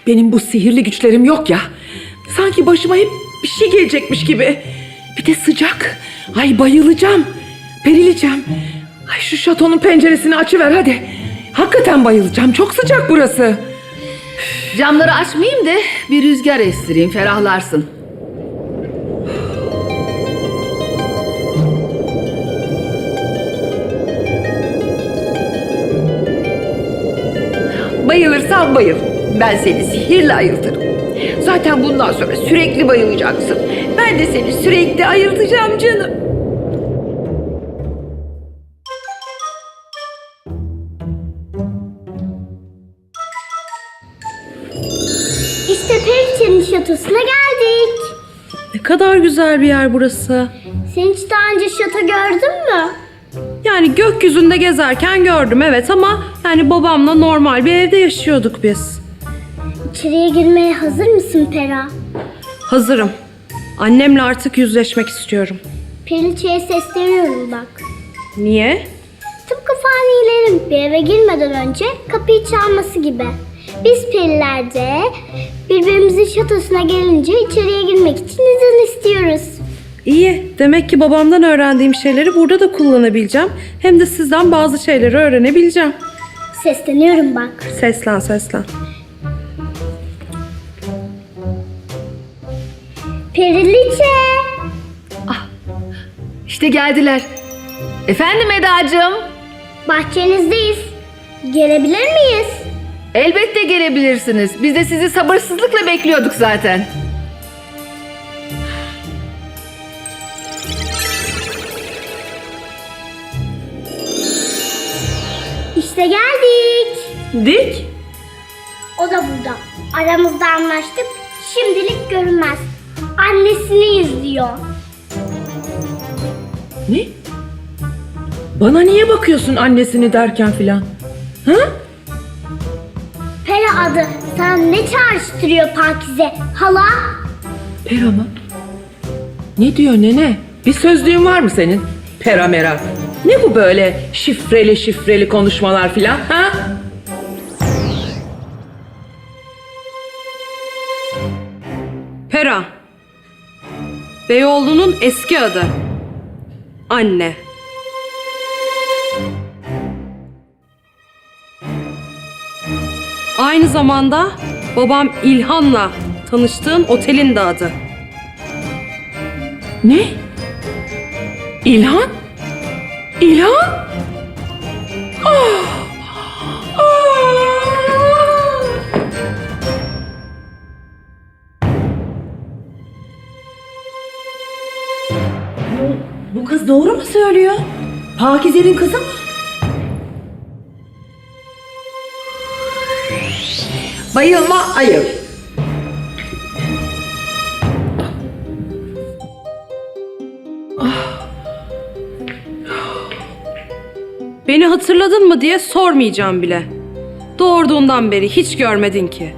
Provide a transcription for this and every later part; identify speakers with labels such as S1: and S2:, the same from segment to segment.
S1: Benim bu sihirli güçlerim yok ya. Sanki başıma hep bir şey gelecekmiş gibi. Bir de sıcak. Ay bayılacağım. Perileceğim. Ay şu şatonun penceresini açıver hadi. Hakikaten bayılacağım. Çok sıcak burası.
S2: Camları açmayayım da bir rüzgar estireyim, ferahlarsın.
S3: Bayılırsan bayıl. Ben seni sihirle ayıltırım. Zaten bundan sonra sürekli bayılacaksın. Ben de seni sürekli ayıltacağım canım.
S4: İşte Periçe'nin şatosuna geldik.
S5: Ne kadar güzel bir yer burası.
S4: Sen hiç daha önce şato gördün mü?
S5: Yani gökyüzünde gezerken gördüm evet ama yani babamla normal bir evde yaşıyorduk biz.
S4: İçeriye girmeye hazır mısın Pera?
S5: Hazırım. Annemle artık yüzleşmek istiyorum.
S4: Periçe'ye sesleniyorum bak.
S5: Niye?
S4: Tıpkı fanilerin bir eve girmeden önce kapıyı çalması gibi. Biz periler de birbirimizin şatosuna gelince içeriye girmek için izin istiyoruz.
S5: İyi. Demek ki babamdan öğrendiğim şeyleri burada da kullanabileceğim. Hem de sizden bazı şeyleri öğrenebileceğim.
S4: Sesleniyorum bak.
S5: Seslen seslen.
S4: Periliçe!
S2: İşte geldiler. Efendim Edacığım?
S4: Bahçenizdeyiz. Gelebilir miyiz?
S2: Elbette gelebilirsiniz. Biz de sizi sabırsızlıkla bekliyorduk zaten.
S4: İşte geldik.
S1: Dik.
S4: O da burada. Aramızda anlaştık. Şimdilik görünmez. Annesini izliyor.
S1: Ne? Bana niye bakıyorsun annesini derken filan? Ha?
S4: Pera adı sana ne çağrıştırıyor Pakize? Hala?
S1: Pera mı? Ne diyor nene? Bir sözlüğün var mı senin? Pera mera. Ne bu böyle şifreli konuşmalar filan ha?
S5: Pera. Beyoğlu'nun eski adı. Anne. Aynı zamanda babam İlhan'la tanıştığın otelin de adı.
S1: Ne? İlhan? İlhan? Ah! Ah!
S3: Bu kız doğru mu söylüyor? Pakize'nin kızı mı? Bayılma ayıl.
S5: Beni hatırladın mı diye sormayacağım bile. Doğurduğundan beri hiç görmedin ki.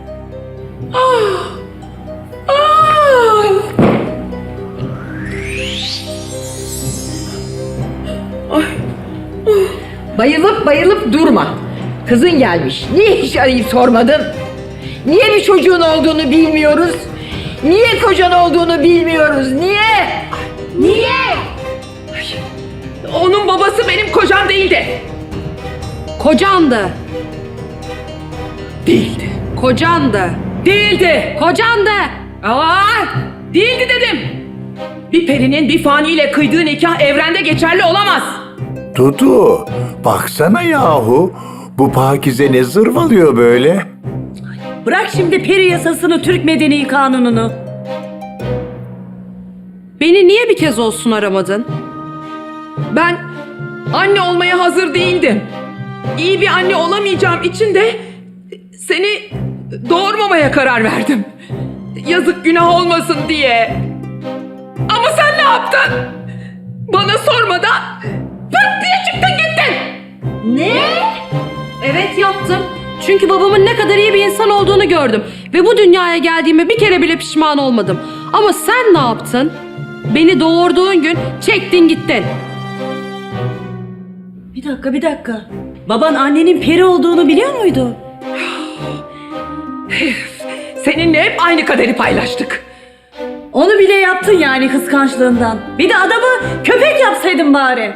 S3: Bayılıp durma. Kızın gelmiş. Niye hiç arayıp sormadın? Niye bir çocuğun olduğunu bilmiyoruz? Niye kocan olduğunu bilmiyoruz? Niye? Niye?
S1: Onun babası benim kocam değildi.
S5: Kocandı.
S1: Değildi.
S5: Kocandı.
S1: Değildi.
S5: Kocandı.
S1: Aa, değildi dedim. Bir perinin bir faniyle kıydığı nikah evrende geçerli olamaz.
S6: Dudu, baksana yahu. Bu Pakize ne zırvalıyor böyle?
S3: Bırak şimdi peri yasasını, Türk Medeni Kanunu'nu.
S5: Beni niye bir kez olsun aramadın?
S1: Ben anne olmaya hazır değildim. İyi bir anne olamayacağım için de seni doğurmamaya karar verdim. Yazık günah olmasın diye. Ama sen ne yaptın? Bana sormadan pıt diye çıktın gittin.
S5: Ne? Evet yaptım. Çünkü babamın ne kadar iyi bir insan olduğunu gördüm. Ve bu dünyaya geldiğime bir kere bile pişman olmadım. Ama sen ne yaptın? Beni doğurduğun gün çektin gittin.
S3: Bir dakika. Baban annenin peri olduğunu biliyor muydu?
S1: Seninle hep aynı kaderi paylaştık.
S7: Onu bile yaptın yani kıskançlığından. Bir de adamı köpek yapsaydın bari.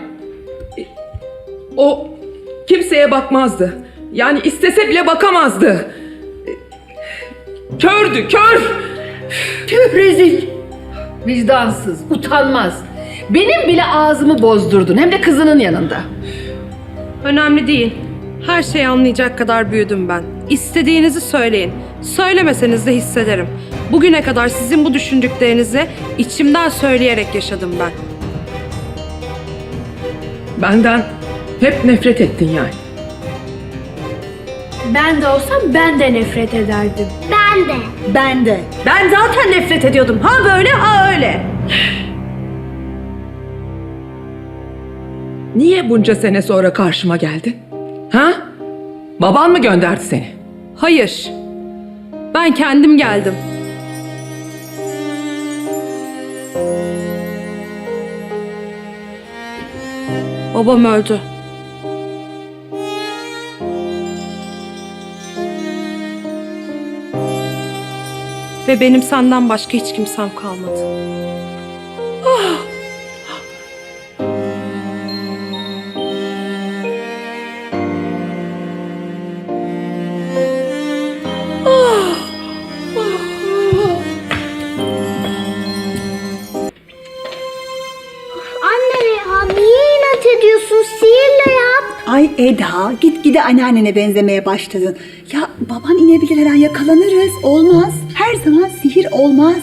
S1: O kimseye bakmazdı. Yani istese bile bakamazdı. Kördü, kör.
S2: Tüh rezil. Vicdansız, utanmaz. Benim bile ağzımı bozdurdun. Hem de kızının yanında.
S5: Önemli değil. Her şeyi anlayacak kadar büyüdüm ben. İstediğinizi söyleyin. Söylemeseniz de hissederim. Bugüne kadar sizin bu düşündüklerinizi içimden söyleyerek yaşadım ben.
S1: Benden hep nefret ettin yani.
S8: Ben de olsam ben de nefret ederdim.
S4: Ben de.
S7: Ben de. Ben zaten nefret ediyordum. Ha böyle ha öyle.
S1: Niye bunca sene sonra karşıma geldin? Ha? Baban mı gönderdi seni?
S5: Hayır. Ben kendim geldim. Babam öldü. Ve benim senden başka hiç kimsem kalmadı.
S4: Anne ya niye inat ediyorsun? Sihirle yap.
S9: Ay Eda, gitgide anneannene benzemeye başladın. Ya baban inebilir her an, yakalanırız. Olmaz. Her zaman sihir olmaz.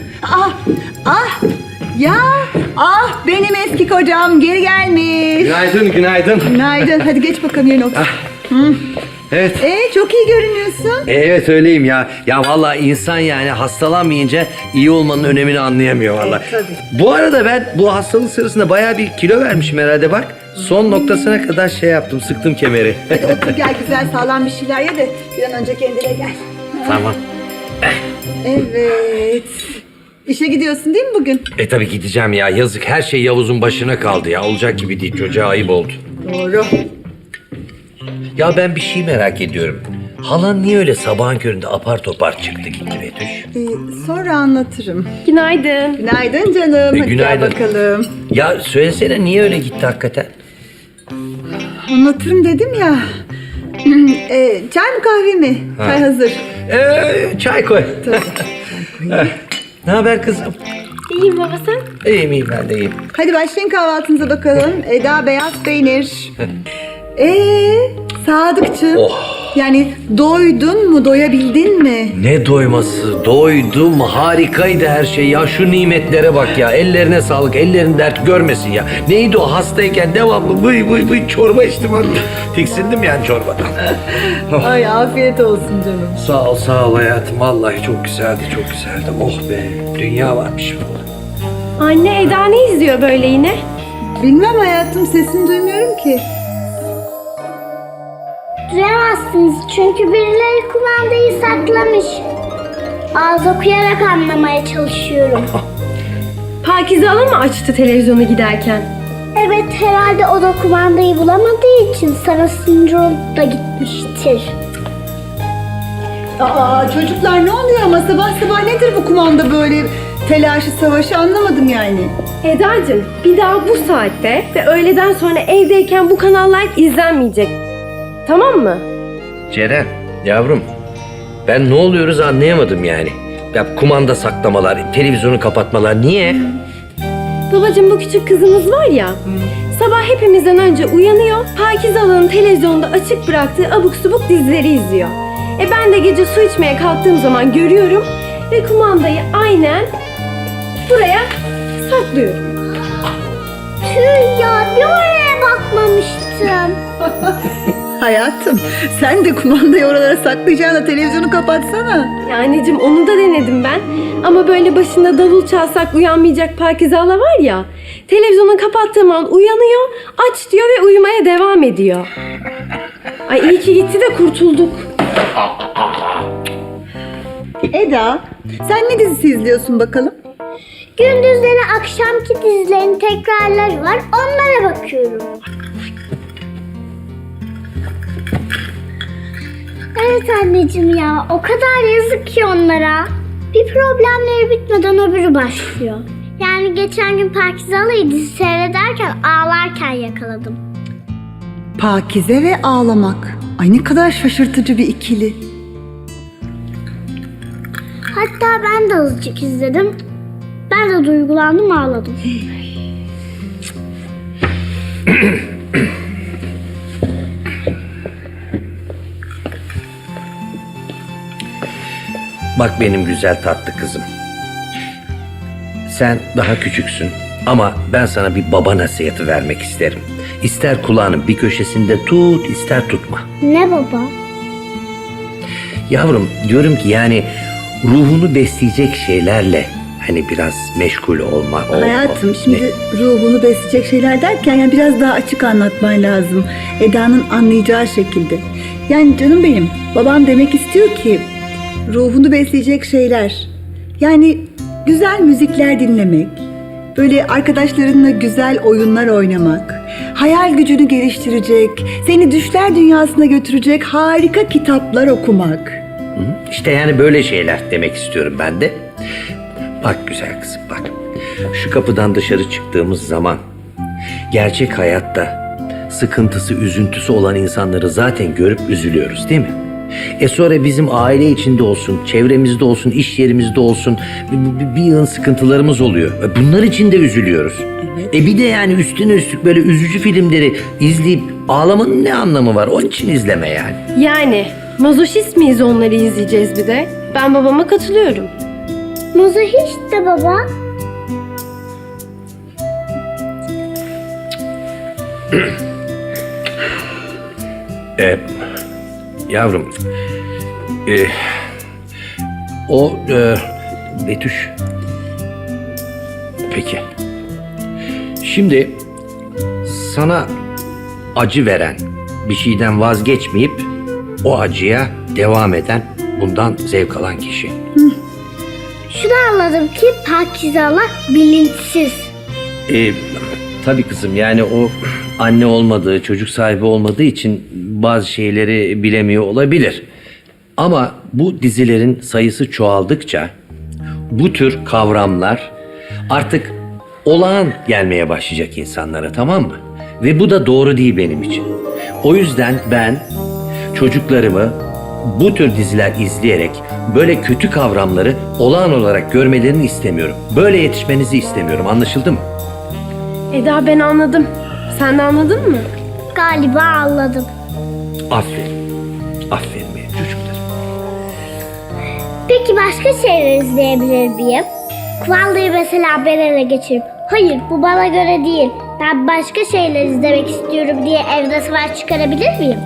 S9: Benim eski kocam geri gelmiş.
S10: Günaydın, günaydın.
S9: Günaydın. Hadi geç bakalım yerine otur.
S10: Evet.
S9: Çok iyi görünüyorsun.
S10: Evet öyleyim ya. Ya vallahi insan yani hastalanmayınca iyi olmanın önemini anlayamıyor vallahi.
S9: tabii.
S10: Bu arada ben bu hastalık sırasında bayağı bir kilo vermişim herhalde bak. Son noktasına kadar şey yaptım, sıktım kemeri.
S9: Hadi otur gel, güzel sağlam bir şeyler ye de bir an önce kendine gel.
S10: Tamam.
S9: Evet. İşe gidiyorsun değil mi bugün?
S10: Tabii gideceğim ya. Yazık, her şey Yavuz'un başına kaldı ya. Olacak gibi değil. Çocuğa ayıp oldu.
S9: Doğru.
S10: Ya ben bir şey merak ediyorum. Halan niye öyle sabahın köründe apar topar çıktı gitti Betüş?
S9: Sonra anlatırım.
S8: Günaydın.
S9: Günaydın canım. Hadi
S10: günaydın.
S9: gel bakalım.
S10: Ya söylesene niye öyle gitti hakikaten?
S9: Anlatırım dedim ya. Çay mı kahve mi? Çay hazır.
S10: Çay koy. Ne haber kızım?
S8: İyiyim baba sen?
S10: İyiyim ben de iyiyim.
S9: Hadi başlayın kahvaltınıza bakalım. Eda beyaz peynir. Sadıkçığım. Yani doydun mu, doyabildin mi?
S10: Ne doyması, doydum, harikaydı her şey ya. Şu nimetlere bak ya, ellerine sağlık, ellerin dert görmesin ya. Neydi o, hastayken devamlı vıy çorba içtim. Tiksindim yani çorbadan.
S9: Ay afiyet olsun canım.
S10: Sağ ol hayatım, vallahi çok güzeldi, çok güzeldi. Oh be, dünya varmış bu.
S8: Anne Eda ne izliyor böyle yine?
S9: Bilmem hayatım, sesini duymuyorum ki.
S4: Duyamazsınız çünkü birileri kumandayı saklamış. Ağız okuyarak anlamaya çalışıyorum.
S8: Pakize Hala mı açtı televizyonu giderken?
S4: Evet herhalde o da kumandayı bulamadığı için sana sinir olup da gitmiştir.
S9: Çocuklar ne oluyor ama sabah sabah nedir bu kumanda böyle telaşı savaşı, anlamadım yani.
S8: Eda'cığım bir daha bu saatte ve öğleden sonra evdeyken bu kanallar izlenmeyecek. Tamam mı?
S10: Ceren, yavrum, ben ne oluyoruz anlayamadım yani. Ya kumanda saklamalar, televizyonu kapatmalar, niye?
S8: Babacığım bu küçük kızımız var ya. Sabah hepimizden önce uyanıyor. Pakize Hala'nın televizyonda açık bıraktığı abuk subuk dizileri izliyor. Ben de gece su içmeye kalktığım zaman görüyorum ve kumandayı aynen buraya saklıyorum.
S4: Tüh ya bir oraya bakmamıştım.
S9: Hayatım sen de kumandayı oralara saklayacağına televizyonu kapatsana.
S8: Ya anneciğim onu da denedim ben. Ama böyle başında davul çalsak uyanmayacak Pakize Hala var ya. Televizyonu kapattığım an uyanıyor, aç diyor ve uyumaya devam ediyor. Ay iyi ki gitti de kurtulduk.
S9: Eda, sen ne dizisi izliyorsun bakalım?
S4: Gündüzleri akşamki dizilerin tekrarları var onlara bakıyorum. Evet anneciğim ya, o kadar yazık ki onlara. Bir problemleri bitmeden öbürü başlıyor. Yani geçen gün Pakize Halayı dizi seyrederken ağlarken yakaladım.
S9: Pakize ve ağlamak. Ay ne kadar şaşırtıcı bir ikili.
S4: Hatta ben de azıcık izledim. Ben de duygulandım, ağladım.
S10: Bak benim güzel tatlı kızım. Sen daha küçüksün ama ben sana bir baba nasihati vermek isterim. İster kulağının bir köşesinde tut, ister tutma.
S4: Ne baba?
S10: Yavrum diyorum ki yani ruhunu besleyecek şeylerle hani biraz meşgul olma.
S9: Hayatım şimdi ruhunu besleyecek şeyler derken yani biraz daha açık anlatman lazım. Eda'nın anlayacağı şekilde. Yani canım benim, babam demek istiyor ki ruhunu besleyecek şeyler. Yani güzel müzikler dinlemek, böyle arkadaşlarınla güzel oyunlar oynamak, hayal gücünü geliştirecek, seni düşler dünyasına götürecek harika kitaplar okumak.
S10: İşte yani böyle şeyler demek istiyorum ben de. Bak güzel kızım bak. Şu kapıdan dışarı çıktığımız zaman gerçek hayatta sıkıntısı, üzüntüsü olan insanları zaten görüp üzülüyoruz değil mi? Sonra bizim aile içinde olsun, çevremizde olsun, iş yerimizde olsun bir yığın sıkıntılarımız oluyor. Bunlar için de üzülüyoruz. Evet. Bir de yani üstüne üstlük böyle üzücü filmleri izleyip ağlamanın ne anlamı var? Onun için izleme yani.
S8: Yani mazoşist miyiz onları izleyeceğiz bir de? Ben babama katılıyorum.
S4: Mazohist de baba.
S10: Yavrum, Betüş. Peki. Şimdi sana acı veren bir şeyden vazgeçmeyip o acıya devam eden, bundan zevk alan kişi.
S4: Şunu anladım ki Pakize Hala bilinçsiz.
S10: Tabii kızım yani o anne olmadığı, çocuk sahibi olmadığı için bazı şeyleri bilemiyor olabilir. Ama bu dizilerin sayısı çoğaldıkça bu tür kavramlar artık olağan gelmeye başlayacak insanlara, tamam mı? Ve bu da doğru değil benim için. O yüzden ben çocuklarımı bu tür diziler izleyerek böyle kötü kavramları olağan olarak görmelerini istemiyorum. Böyle yetişmenizi istemiyorum. Anlaşıldı mı?
S8: Eda ben anladım. Sen de anladın mı?
S4: Galiba anladım.
S10: Aferin. Aferin benim çocuklarım.
S4: Peki başka şeyler izleyebilir miyim? Kumandayı mesela ben ele geçirip hayır bu bana göre değil, ben başka şeyler izlemek istiyorum diye evde savaş çıkarabilir miyim?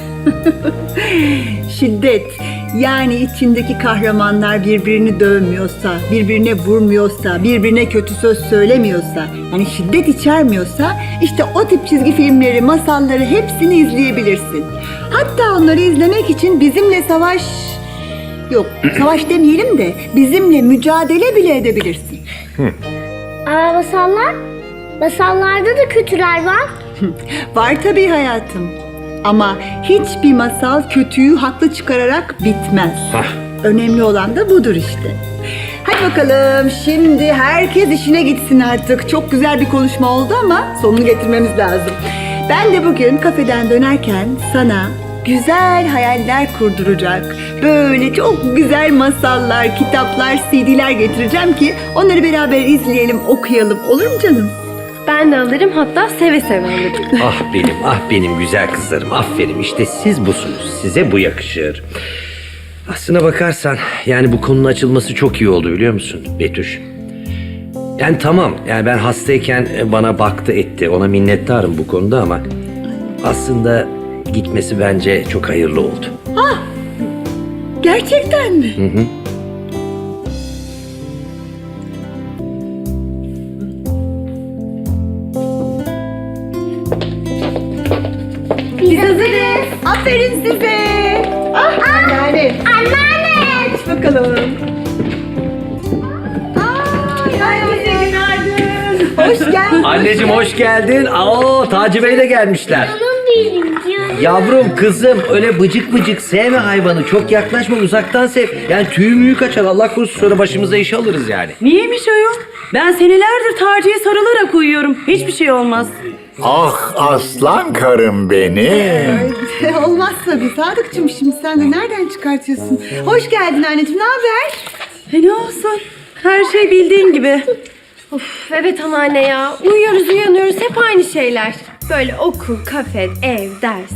S9: Şiddet, yani içindeki kahramanlar birbirini dövmüyorsa, birbirine vurmuyorsa, birbirine kötü söz söylemiyorsa, yani şiddet içermiyorsa işte o tip çizgi filmleri, masalları hepsini izleyebilirsin. Hatta onları izlemek için bizimle savaş... Yok, savaş demeyelim de bizimle mücadele bile edebilirsin.
S4: Ama masallarda da kötüler var.
S9: Var tabii hayatım. Ama hiçbir masal kötüyü haklı çıkararak bitmez. Önemli olan da budur işte. Hadi bakalım şimdi herkes işine gitsin artık. Çok güzel bir konuşma oldu ama sonunu getirmemiz lazım. Ben de bugün kafeden dönerken sana güzel hayaller kurduracak, böyle çok güzel masallar, kitaplar, CD'ler getireceğim ki onları beraber izleyelim, okuyalım. Olur mu canım?
S8: Ben de alırım, hatta seve seve alırım.
S10: Ah benim güzel kızlarım. Aferin, işte siz busunuz. Size bu yakışır. Aslına bakarsan yani bu konunun açılması çok iyi oldu biliyor musun Betüş? Yani tamam, yani ben hastayken bana baktı etti. Ona minnettarım bu konuda ama aslında gitmesi bence çok hayırlı oldu.
S9: Gerçekten mi?
S10: Hı.
S4: Biz hazırız.
S9: Aferin size. Anneanne.
S4: Anneanne.
S9: Aç bakalım. Herkese günaydın. Hoş geldin.
S10: Anneciğim hoş geldin. Taci Bey de gelmişler.
S4: Canım benim canım.
S10: Yavrum kızım öyle bıcık bıcık sevme hayvanı. Çok yaklaşma, uzaktan sev. Yani tüyü müyü kaçar, Allah korusun, sonra başımıza iş alırız yani.
S7: Niyeymiş ayol? Ben senelerdir Taci'ye sarılarak uyuyorum. Hiçbir şey olmaz.
S6: Ah aslan karım benim.
S9: Olmaz tabii Sadıkçım, şimdi sen de nereden çıkartıyorsun? Hoş geldin anneciğim, ne haber?
S7: Ne olsun? Her şey bildiğin gibi.
S8: Of, evet anneanne ya. Uyuyoruz uyanıyoruz hep aynı şeyler. Böyle okul, kafe, ev, ders.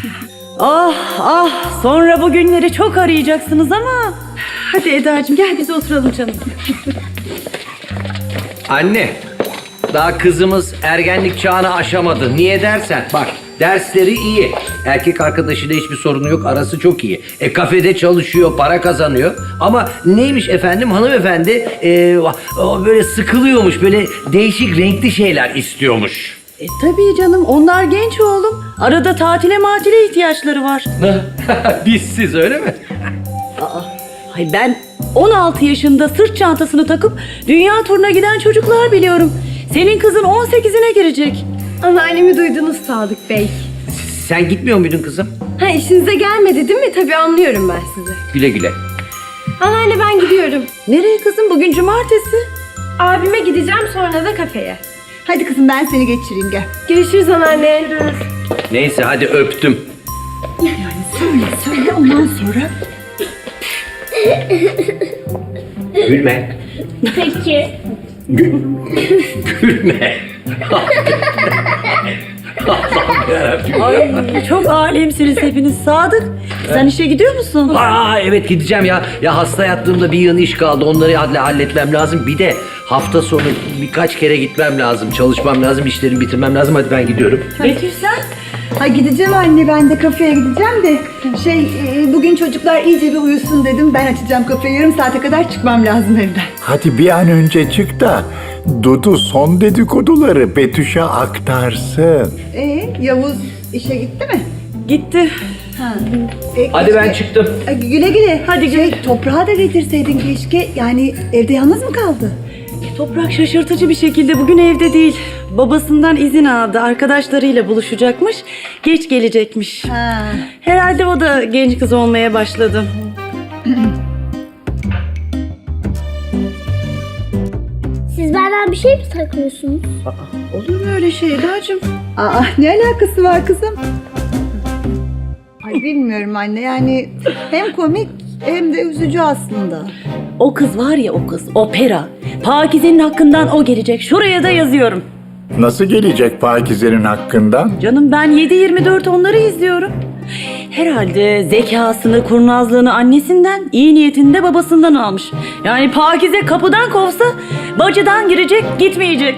S7: Ah sonra bu günleri çok arayacaksınız ama. Hadi Eda'cığım gel biz oturalım canım.
S10: Anne, daha kızımız ergenlik çağını aşamadı. Niye dersen, bak dersleri iyi. Erkek arkadaşıyla hiçbir sorunu yok, arası çok iyi. Kafede çalışıyor, para kazanıyor. Ama neymiş efendim, hanımefendi böyle sıkılıyormuş, böyle değişik renkli şeyler istiyormuş.
S7: Tabii canım onlar genç oğlum. Arada tatile matile ihtiyaçları var.
S10: Bizsiz öyle mi?
S7: Ay ben 16 yaşında sırt çantasını takıp dünya turuna giden çocuklar biliyorum. Senin kızın 18'ine girecek.
S8: Anneannemi duydunuz Sadık Bey.
S10: Sen gitmiyor muydun kızım?
S8: Ha işinize gelmedi değil mi? Tabii anlıyorum ben sizi.
S10: Güle güle.
S8: Anneanne ben gidiyorum.
S7: Nereye kızım, bugün cumartesi?
S8: Abime gideceğim sonra da kafeye.
S9: Hadi kızım ben seni geçireyim, gel.
S8: Görüşürüz anneanne.
S10: Neyse hadi öptüm.
S9: Söyle ondan sonra.
S10: Gülme.
S4: Peki.
S10: Gülme. Allah'ım yarabbim.
S7: Ay çok alemsiniz hepiniz. Sadık sen işe gidiyor musun?
S10: Aa evet gideceğim ya. Ya hasta yattığımda bir yığın iş kaldı. Onları halletmem lazım. Bir de hafta sonu birkaç kere gitmem lazım. Çalışmam lazım. İşlerimi bitirmem lazım. Hadi ben gidiyorum.
S7: Betül sen?
S9: Ha gideceğim anne, ben de kafeye gideceğim de bugün çocuklar iyice bir uyusun dedim. Ben açacağım kafeyi, yarım saate kadar çıkmam lazım evden.
S6: Hadi bir an önce çık da Dudu son dedikoduları Betüş'e aktarsın.
S9: Yavuz işe gitti mi?
S7: Gitti.
S10: Hadi ben çıktım.
S9: Güle güle.
S7: Hadi güle.
S9: Toprağı da getirseydin keşke. Yani evde yalnız mı kaldı?
S7: Toprak şaşırtıcı bir şekilde bugün evde değil. Babasından izin aldı. Arkadaşlarıyla buluşacakmış. Geç gelecekmiş.
S9: Ha.
S7: Herhalde o da genç kız olmaya başladı.
S4: Siz benden bir şey mi saklıyorsunuz?
S7: Olur mu öyle şey Eda'cığım?
S9: Ne alakası var kızım? Ay bilmiyorum anne, yani hem komik hem de üzücü aslında.
S7: O kız var ya, o kız opera. Pakize'nin hakkından o gelecek. Şuraya da yazıyorum.
S6: Nasıl gelecek Pakize'nin hakkından?
S7: Canım ben 7/24 onları izliyorum. Herhalde zekasını, kurnazlığını annesinden, iyi niyetini de babasından almış. Yani Pakize kapıdan kovsa bacıdan girecek, gitmeyecek.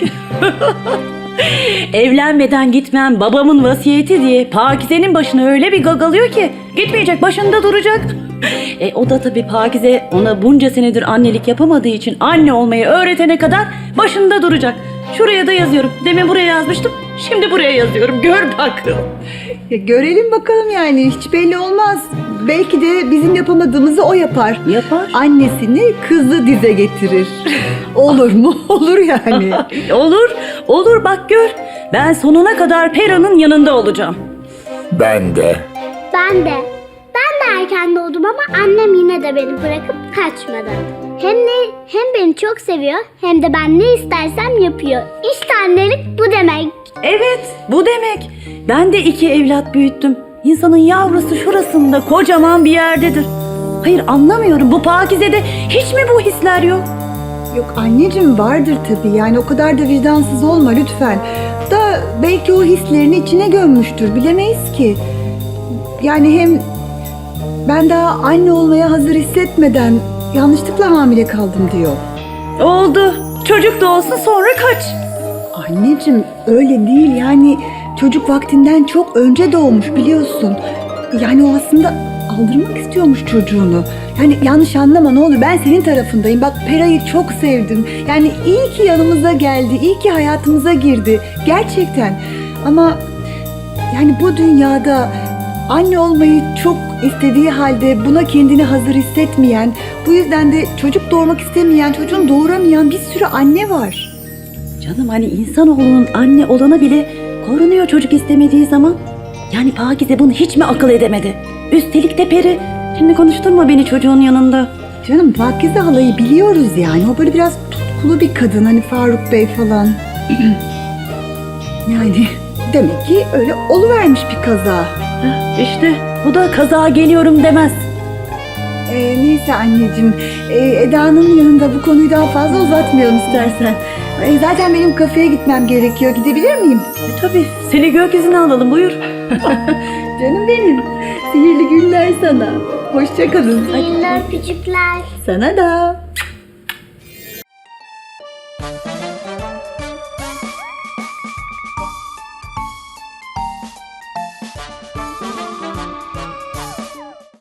S7: Evlenmeden gitmem babamın vasiyeti diye Pakize'nin başına öyle bir gagalıyor ki gitmeyecek, başında duracak. O da tabii Pakize ona bunca senedir annelik yapamadığı için anne olmayı öğretene kadar başında duracak. Şuraya da yazıyorum. Demin buraya yazmıştım. Şimdi buraya yazıyorum. Gör bak.
S9: Ya görelim bakalım, yani hiç belli olmaz. Belki de bizim yapamadığımızı o yapar.
S7: Yapar.
S9: Annesini kızı dize getirir. Olur mu? Olur yani.
S7: Olur. Olur bak gör. Ben sonuna kadar Pera'nın yanında olacağım.
S6: Ben de.
S4: Ben de. Ben de erken doğdum ama annem yine de beni bırakıp kaçmadı. Hem beni çok seviyor hem de ben ne istersem yapıyor. İşte annelik bu demek.
S7: Evet, bu demek. Ben de 2 evlat büyüttüm. İnsanın yavrusu şurasında kocaman bir yerdedir. Hayır anlamıyorum, bu Pakize'de hiç mi bu hisler yok?
S9: Yok anneciğim, vardır tabii, yani o kadar da vicdansız olma lütfen. Da belki o hislerini içine gömmüştür, bilemeyiz ki. Yani hem ben daha anne olmaya hazır hissetmeden yanlışlıkla hamile kaldım diyor.
S7: Oldu. Çocuk da olsun sonra kaç.
S9: Anneciğim öyle değil, yani çocuk vaktinden çok önce doğmuş biliyorsun. Yani o aslında aldırmak istiyormuş çocuğunu. Yani yanlış anlama ne olur, ben senin tarafındayım. Bak Pera'yı çok sevdim. Yani iyi ki yanımıza geldi, iyi ki hayatımıza girdi. Gerçekten. Ama yani bu dünyada anne olmayı çok istediği halde buna kendini hazır hissetmeyen, bu yüzden de çocuk doğurmak istemeyen, çocuğunu doğuramayan bir sürü anne var.
S7: Canım hani insanoğlunun anne olana bile korunuyor çocuk istemediği zaman. Yani Pakize bunu hiç mi akıl edemedi? Üstelik de peri. Şimdi konuşturma beni çocuğun yanında.
S9: Canım Pakize halayı biliyoruz yani. O böyle biraz tutkulu bir kadın hani Faruk Bey falan. Yani demek ki öyle oluvermiş bir kaza.
S7: İşte bu da kaza geliyorum demez.
S9: Neyse anneciğim, Eda'nın yanında bu konuyu daha fazla uzatmayalım istersen. Zaten benim kafeye gitmem gerekiyor. Gidebilir miyim?
S7: Tabii seni gökyüzüne alalım buyur.
S9: Canım benim. Sihirli günler sana. Hoşça kalın.
S4: Sihirli öpücükler.
S9: Sana da.